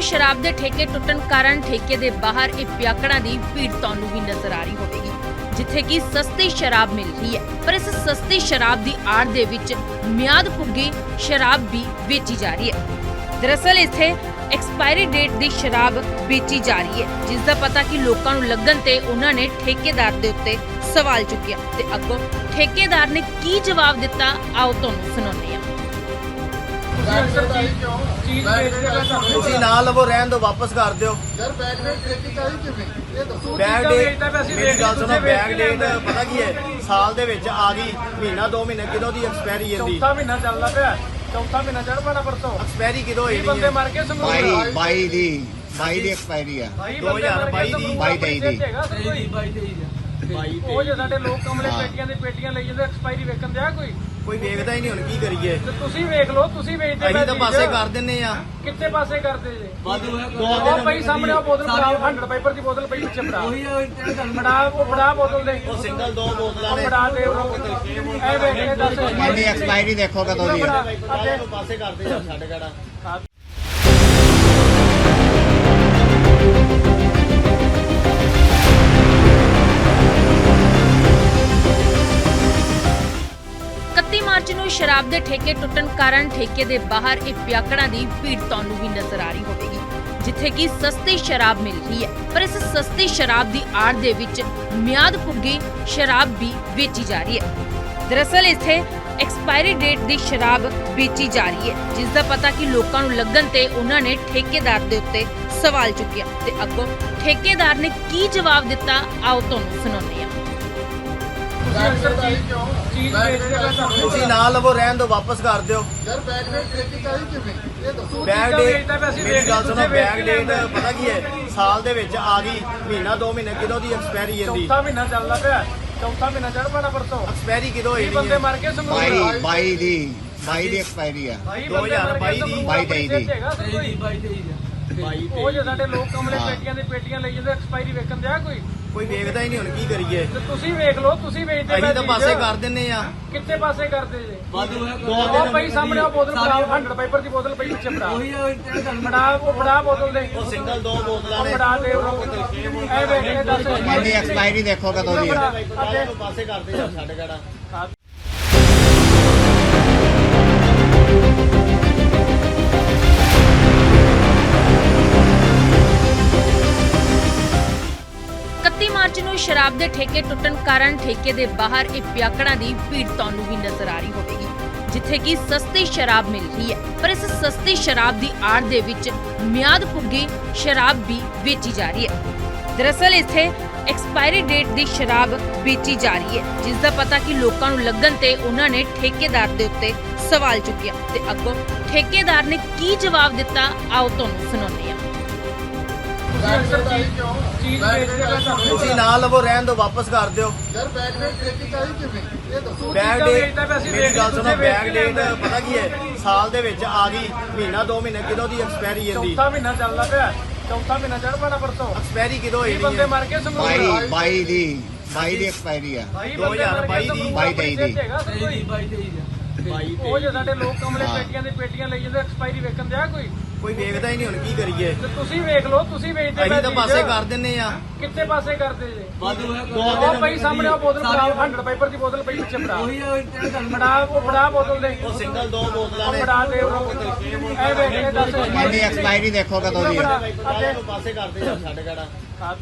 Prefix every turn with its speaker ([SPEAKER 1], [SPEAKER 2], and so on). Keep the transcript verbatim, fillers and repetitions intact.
[SPEAKER 1] ਸ਼ਰਾਬ ਦੇ ਠੇਕੇ ਟੁੱਟਣ ਕਾਰਨ ਠੇਕੇ ਦੇ ਬਾਹਰ ਇਹ ਪਿਆਕੜਾਂ ਦੀ ਭੀੜ ਤੁਹਾਨੂੰ ਵੀ ਨਜ਼ਰ ਆ ਰਹੀ ਹੋਵੇਗੀ, ਜਿੱਥੇ ਕਿ ਸਸਤੀ ਸ਼ਰਾਬ ਮਿਲ ਰਹੀ ਹੈ। ਪਰ ਇਸ ਸਸਤੀ ਸ਼ਰਾਬ ਦੀ ਆੜ ਦੇ ਵਿੱਚ ਮਿਆਦ ਪੁੱਗੀ ਸ਼ਰਾਬ ਵੀ ਵੇਚੀ ਜਾ ਰਹੀ ਹੈ। ਦਰਅਸਲ ਇੱਥੇ ਐਕਸਪਾਇਰੀ ਡੇਟ ਦੀ ਸ਼ਰਾਬ ਵੇਚੀ ਜਾ ਰਹੀ ਹੈ, ਜਿਸ ਦਾ ਪਤਾ ਕਿ ਲੋਕਾਂ ਨੂੰ ਲੱਗਣ ਤੇ ਉਹਨਾਂ ਨੇ ਠੇਕੇਦਾਰ ਦੇ ਉੱਤੇ ਸਵਾਲ ਚੁੱਕਿਆ ਤੇ ਅੱਗੋਂ ਠੇਕੇਦਾਰ ਨੇ ਕੀ ਜਵਾਬ ਦਿੱਤਾ, ਆਓ ਤੁਹਾਨੂੰ ਸੁਣਾਉਂਦੇ ਹਾਂ।
[SPEAKER 2] ਤੁਸੀਂ ਨਾ ਲਵੋ, ਰਹਿਣ ਦਿਓ, ਵਾਪਸ ਕਰ ਦਿਓ।
[SPEAKER 3] ਯਾਰ ਬੈਕ ਡੇਟ ਠੇਕੀ ਚਾਹੀ ਕਿਵੇਂ ਇਹ ਦੱਸੋ।
[SPEAKER 2] ਬੈਕ ਡੇਟ ਮੇਰੀ ਗੱਲ ਸੁਣੋ, ਬੈਕ ਡੇਟ ਪਤਾ ਕੀ ਹੈ, ਸਾਲ ਦੇ ਵਿੱਚ ਆ ਗਈ, ਮਹੀਨਾ ਦੋ ਮਹੀਨੇ ਕਿਦੋਂ ਦੀ ਐਕਸਪਾਇਰੀ ਜਾਂਦੀ।
[SPEAKER 4] ਚੌਥਾ ਮਹੀਨਾ ਚੱਲਦਾ ਪਿਆ, ਚੌਥਾ ਮਹੀਨਾ ਚੜ ਪੈਣਾ ਪਰਸੋਂ।
[SPEAKER 2] ਐਕਸਪਾਇਰੀ ਕਿਦੋਂ ਹੋਈ
[SPEAKER 4] ਬੰਦੇ
[SPEAKER 2] ਹੈ?
[SPEAKER 4] ਮਰ ਕੇ ਸਮੂਹ
[SPEAKER 5] ਬਾਈ ਬਾਈ ਦੀ ਬਾਈ ਦੀ ਐਕਸਪਾਇਰੀ ਆ।
[SPEAKER 2] ਦੋ ਹਜ਼ਾਰ ਬਾਈ ਦੀ
[SPEAKER 5] ਬਾਈ ਤੇਈ ਦੀ।
[SPEAKER 4] ਉਹ ਜੇ ਸਾਡੇ ਲੋਕ ਕਮਲੇ ਪੇਟੀਆਂ ਦੇ ਪੇਟੀਆਂ ਲਈ ਜਾਂਦੇ, ਐਕਸਪਾਇਰੀ ਵੇਚਣ ਦਿਆ ਕੋਈ
[SPEAKER 2] ਕੋਈ ਵੇਖਦਾ ਹੀ ਨਹੀਂ, ਹੁਣ ਕੀ ਕਰੀਏ?
[SPEAKER 4] ਤੇ ਤੁਸੀਂ ਵੇਖ ਲਓ, ਤੁਸੀਂ ਵੇਚਦੇ
[SPEAKER 2] ਅਸੀਂ ਤਾਂ ਪਾਸੇ ਕਰ ਦਿੰਨੇ ਆ।
[SPEAKER 4] ਕਿੱਥੇ ਪਾਸੇ ਕਰਦੇ ਜੇ?
[SPEAKER 2] ਦੋ
[SPEAKER 4] ਉਹ ਪਈ ਸਾਹਮਣੇ ਉਹ ਬੋਤਲ ਫੜਾ, ਹੰਡਰਡ ਪਾਈਪਰ ਦੀ ਬੋਤਲ ਪਈ ਪਿੱਛੇ ਫੜਾ, ਫੜਾ ਉਹ ਫੜਾ ਬੋਤਲ ਦੇ,
[SPEAKER 2] ਉਹ ਸਿੰਗਲ ਦੋ ਬੋਤਲਾਂ
[SPEAKER 4] ਉਹ
[SPEAKER 2] ਨੇ।
[SPEAKER 4] ਫੜਾ ਦੇ ਉਹ ਐ ਵੇਖ ਕੇ ਦੱਸ
[SPEAKER 5] ਇਹਦੀ ਐਕਸਪਾਇਰੀ ਦੇਖੋ ਕਦੋਂ ਦੀ ਆ।
[SPEAKER 2] ਇਹਨੂੰ ਪਾਸੇ ਕਰਦੇ ਆ, ਛੱਡ ਗੜਾ।
[SPEAKER 1] ਇਕੱਤੀ ਮਾਰਚ ਨੂੰ ਸ਼ਰਾਬ ਦੇ ਠੇਕੇ ਟੁੱਟਣ ਕਾਰਨ ਠੇਕੇ ਦੇ ਬਾਹਰ ਇਹ ਪਿਆਕੜਾਂ ਦੀ ਭੀੜ ਤੁਹਾਨੂੰ ਵੀ ਨਜ਼ਰ ਆ ਰਹੀ ਹੋਵੇਗੀ, ਜਿੱਥੇ ਕਿ ਸਸਤੀ ਸ਼ਰਾਬ ਮਿਲ ਰਹੀ ਹੈ। ਪਰ ਇਸ ਸਸਤੀ ਸ਼ਰਾਬ ਦੀ ਆੜ ਦੇ ਵਿੱਚ ਮਿਆਦ ਪੁੱਗੀ ਸ਼ਰਾਬ ਵੀ ਵੇਚੀ ਜਾ ਰਹੀ ਹੈ। ਦਰਅਸਲ ਇੱਥੇ ਐਕਸਪਾਇਰੀ ਡੇਟ ਦੀ ਸ਼ਰਾਬ ਵੇਚੀ ਜਾ ਰਹੀ ਹੈ, ਜਿਸ ਦਾ ਪਤਾ ਕਿ ਲੋਕਾਂ ਨੂੰ ਲੱਗਣ ਤੇ ਉਹਨਾਂ ਨੇ ਠੇਕੇਦਾਰ ਦੇ ਉੱਤੇ ਸਵਾਲ ਚੁੱਕਿਆ ਤੇ ਅੱਗੋਂ ਠੇਕੇਦਾਰ ਨੇ ਕੀ ਜਵਾਬ ਦਿੱਤਾ, ਆਓ ਤੁਹਾਨੂੰ ਸੁਣਾਉਂਦੇ ਹਾਂ।
[SPEAKER 4] ਚੀਜ਼ ਵੇਚਦੇ ਪਏ ਤੁਹਾਨੂੰ।
[SPEAKER 2] ਤੁਸੀਂ ਨਾ ਲਵੋ, ਰਹਿਣ ਦਿਓ, ਵਾਪਸ ਕਰ ਦਿਓ।
[SPEAKER 3] ਯਾਰ ਬੈਕ ਡੇਟ ਠੇਕੀ ਚਾਹੀ ਕਿਵੇਂ ਇਹ ਦੱਸੋ।
[SPEAKER 2] ਬੈਕ ਡੇਟ ਮੇਰੀ ਗੱਲ ਸੁਣੋ, ਬੈਕ ਡੇਟ ਪਤਾ ਕੀ ਹੈ, ਸਾਲ ਦੇ ਵਿੱਚ ਆ ਗਈ, ਮਹੀਨਾ ਦੋ ਮਹੀਨੇ ਕਿਦੋਂ ਦੀ ਐਕਸਪਾਇਰੀ ਜਾਂਦੀ।
[SPEAKER 4] ਚੌਥਾ ਮਹੀਨਾ ਚੱਲਦਾ ਪਿਆ, ਚੌਥਾ ਮਹੀਨਾ ਚੜ ਪੈਣਾ ਪਰਸੋਂ।
[SPEAKER 2] ਐਕਸਪਾਇਰੀ ਕਿਦੋਂ ਹੋਈ
[SPEAKER 4] ਬੰਦੇ
[SPEAKER 2] ਹੈ?
[SPEAKER 4] ਮਰ ਕੇ ਸਮੂਹ
[SPEAKER 5] ਬਾਈ ਬਾਈ ਦੀ ਬਾਈ ਦੀ ਐਕਸਪਾਇਰੀ ਆ।
[SPEAKER 2] ਦੋ ਹਜ਼ਾਰ ਬਾਈ ਦੀ
[SPEAKER 5] ਬਾਈ ਤੇਈ ਦੀ।
[SPEAKER 4] ਉਹ ਜੇ ਸਾਡੇ ਲੋਕ ਕਮਲੇ ਪੇਟੀਆਂ ਦੇ ਪੇਟੀਆਂ ਲਈ ਜਾਂਦੇ, ਐਕਸਪਾਇਰੀ ਵੇਚਣ ਦਿਆ ਕੋਈ
[SPEAKER 2] ਕੋਈ ਵੇਖਦਾ ਹੀ ਨਹੀਂ, ਹੁਣ ਕੀ ਕਰੀਏ?
[SPEAKER 4] ਤੇ ਤੁਸੀਂ ਵੇਖ ਲਓ, ਤੁਸੀਂ ਵੇਚਦੇ
[SPEAKER 2] ਅਸੀਂ ਤਾਂ ਪਾਸੇ ਕਰ ਦਿੰਨੇ ਆ।
[SPEAKER 4] ਕਿੱਥੇ ਪਾਸੇ ਕਰਦੇ ਜੇ?
[SPEAKER 2] ਦੋ
[SPEAKER 4] ਉਹ ਪਈ ਸਾਹਮਣੇ ਉਹ ਬੋਤਲ ਫੜਾ, ਹੰਡਰਡ ਪਾਈਪਰ ਦੀ ਬੋਤਲ ਪਈ ਪਿੱਛੇ ਫੜਾ, ਫੜਾ ਉਹ ਫੜਾ ਬੋਤਲ ਦੇ,
[SPEAKER 2] ਉਹ ਸਿੰਗਲ ਦੋ ਬੋਤਲਾਂ
[SPEAKER 4] ਉਹ
[SPEAKER 2] ਨੇ।
[SPEAKER 4] ਫੜਾ ਦੇ ਉਹ ਐ ਵੇਖ ਕੇ ਦੱਸ
[SPEAKER 5] ਇਹਦੀ ਐਕਸਪਾਇਰੀ ਦੇਖੋ ਕਦੋਂ ਦੀ ਆ।
[SPEAKER 2] ਇਹਨੂੰ ਪਾਸੇ ਕਰਦੇ ਆ, ਛੱਡ ਗੜਾ।
[SPEAKER 1] ਇਕੱਤੀ ਮਾਰਚ ਨੂੰ ਸ਼ਰਾਬ ਦੇ ਠੇਕੇ ਟੁੱਟਣ ਕਾਰਨ ਠੇਕੇ ਦੇ ਬਾਹਰ ਇਹ ਪਿਆਕੜਾਂ ਦੀ ਭੀੜ ਤੁਹਾਨੂੰ ਵੀ ਨਜ਼ਰ ਆ ਰਹੀ ਹੋਵੇਗੀ, ਜਿੱਥੇ ਕਿ ਸਸਤੀ ਸ਼ਰਾਬ ਮਿਲ ਰਹੀ ਹੈ। ਪਰ ਇਸ ਸਸਤੀ ਸ਼ਰਾਬ ਦੀ ਆੜ ਦੇ ਵਿੱਚ ਮਿਆਦ ਪੁੱਗੀ ਸ਼ਰਾਬ ਵੀ ਵੇਚੀ ਜਾ ਰਹੀ ਹੈ। ਦਰਅਸਲ ਇੱਥੇ ਐਕਸਪਾਇਰੀ ਡੇਟ ਦੀ ਸ਼ਰਾਬ ਵੇਚੀ ਜਾ ਰਹੀ ਹੈ, ਜਿਸ ਦਾ ਪਤਾ ਕਿ ਲੋਕਾਂ ਨੂੰ ਲੱਗਣ ਤੇ ਉਹਨਾਂ ਨੇ ਠੇਕੇਦਾਰ ਦੇ ਉੱਤੇ ਸਵਾਲ ਚੁੱਕਿਆ ਤੇ ਅੱਗੋਂ ਠੇਕੇਦਾਰ ਨੇ ਕੀ ਜਵਾਬ ਦਿੱਤਾ, ਆਓ ਤੁਹਾਨੂੰ ਸੁਣਾਉਂਦੇ ਹਾਂ।
[SPEAKER 4] ਚੀਜ਼ ਵੇਚਦੇ ਪਏ ਤੁਹਾਨੂੰ।
[SPEAKER 2] ਤੁਸੀਂ ਨਾ ਲਵੋ, ਰਹਿਣ ਦਿਓ, ਵਾਪਸ ਕਰ ਦਿਓ।
[SPEAKER 3] ਯਾਰ ਬੈਕ ਡੇਟ ਠੇਕੀ ਚਾਹੀ ਕਿਵੇਂ ਇਹ ਦੱਸੋ।
[SPEAKER 2] ਬੈਕ ਡੇਟ ਮੇਰੀ ਗੱਲ ਸੁਣੋ, ਬੈਕ ਡੇਟ ਪਤਾ ਕੀ ਹੈ, ਸਾਲ ਦੇ ਵਿੱਚ ਆ ਗਈ, ਮਹੀਨਾ ਦੋ ਮਹੀਨੇ ਕਿਦੋਂ ਦੀ ਐਕਸਪਾਇਰੀ ਜਾਂਦੀ।
[SPEAKER 4] ਚੌਥਾ ਮਹੀਨਾ ਚੱਲਦਾ ਪਿਆ, ਚੌਥਾ ਮਹੀਨਾ ਚੜ ਪੈਣਾ ਪਰਸੋਂ।
[SPEAKER 2] ਐਕਸਪਾਇਰੀ ਕਿਦੋਂ ਹੋਈ
[SPEAKER 4] ਬੰਦੇ
[SPEAKER 2] ਹੈ?
[SPEAKER 4] ਮਰ ਕੇ ਸਮੂਹ
[SPEAKER 5] ਬਾਈ ਬਾਈ ਦੀ ਬਾਈ ਦੀ ਐਕਸਪਾਇਰੀ ਆ।
[SPEAKER 2] ਦੋ ਹਜ਼ਾਰ ਬਾਈ ਦੀ
[SPEAKER 5] ਬਾਈ ਤੇਈ ਦੀ।
[SPEAKER 4] ਉਹ ਜੇ ਸਾਡੇ ਲੋਕ ਕਮਲੇ ਪੇਟੀਆਂ ਦੇ ਪੇਟੀਆਂ ਲਈ ਜਾਂਦੇ, ਐਕਸਪਾਇਰੀ ਵੇਚਣ ਦਿਆ ਕੋਈ
[SPEAKER 2] ਕੋਈ ਵੇਖਦਾ ਹੀ ਨਹੀਂ, ਹੁਣ ਕੀ ਕਰੀਏ?
[SPEAKER 4] ਤੇ ਤੁਸੀਂ ਵੇਖ ਲਓ, ਤੁਸੀਂ ਵੇਚਦੇ
[SPEAKER 2] ਅਸੀਂ ਤਾਂ ਪਾਸੇ ਕਰ ਦਿੰਨੇ ਆ।
[SPEAKER 4] ਕਿੱਥੇ ਪਾਸੇ ਕਰਦੇ ਜੇ?
[SPEAKER 2] ਦੋ
[SPEAKER 4] ਉਹ ਪਈ ਸਾਹਮਣੇ ਉਹ ਬੋਤਲ ਫੜਾ, ਹੰਡਰਡ ਪਾਈਪਰ ਦੀ ਬੋਤਲ ਪਈ ਪਿੱਛੇ ਫੜਾ, ਫੜਾ ਉਹ ਫੜਾ ਬੋਤਲ ਦੇ,
[SPEAKER 2] ਉਹ ਸਿੰਗਲ ਦੋ ਬੋਤਲਾਂ
[SPEAKER 4] ਉਹ
[SPEAKER 2] ਨੇ।
[SPEAKER 4] ਫੜਾ ਦੇ ਉਹ ਐ ਵੇਖ ਕੇ ਦੱਸ
[SPEAKER 5] ਇਹਦੀ ਐਕਸਪਾਇਰੀ ਦੇਖੋ ਕਦੋਂ ਦੀ ਆ।
[SPEAKER 2] ਇਹਨੂੰ ਪਾਸੇ ਕਰਦੇ ਆ, ਛੱਡ ਗੜਾ।